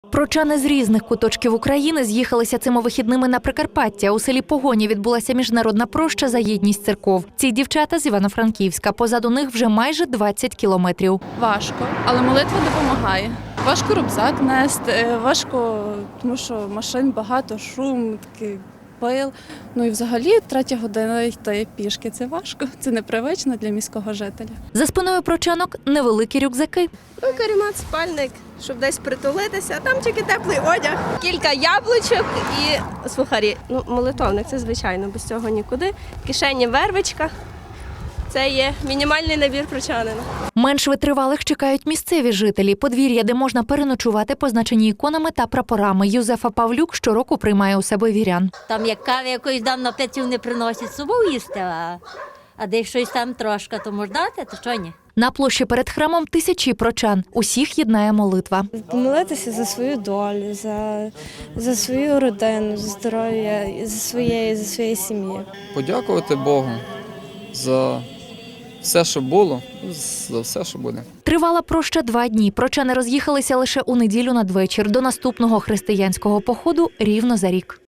Прочани з різних куточків України з'їхалися цими вихідними на Прикарпаття. У селі Погоні відбулася міжнародна проща за єдність церков. Ці дівчата з Івано-Франківська. Позаду них вже майже 20 кілометрів. Важко, але молитва допомагає. Важко рюкзак нести, важко, тому що машин багато, шум, такий пил. Ну і взагалі 3 година йти пішки – це важко, це непривично для міського жителя. За спиною прочанок невеликі рюкзаки. Каремат, спальник, щоб десь притулитися, а там тільки теплий одяг, кілька яблучок і сухарі. Ну, молитовник, це звичайно, без цього нікуди. В кишені вервичка. Це є мінімальний набір прочанина. Менш витривалих чекають місцеві жителі. Подвір'я, де можна переночувати, позначені іконами та прапорами. Юзефа Павлюк щороку приймає у себе вірян. Там як кави якоїсь дам напитів не приносять з собою їсти, а де щось там трошки, то можна дати, то що ні? На площі перед храмом тисячі прочан. Усіх єднає молитва. Помолитися за свою долю, за свою родину, за здоров'я, за своєї сім'ї. Подякувати Богу за все, що було, за все, що буде. Тривала проща 2 дні. Прочани роз'їхалися лише у неділю надвечір. До наступного християнського походу рівно за рік.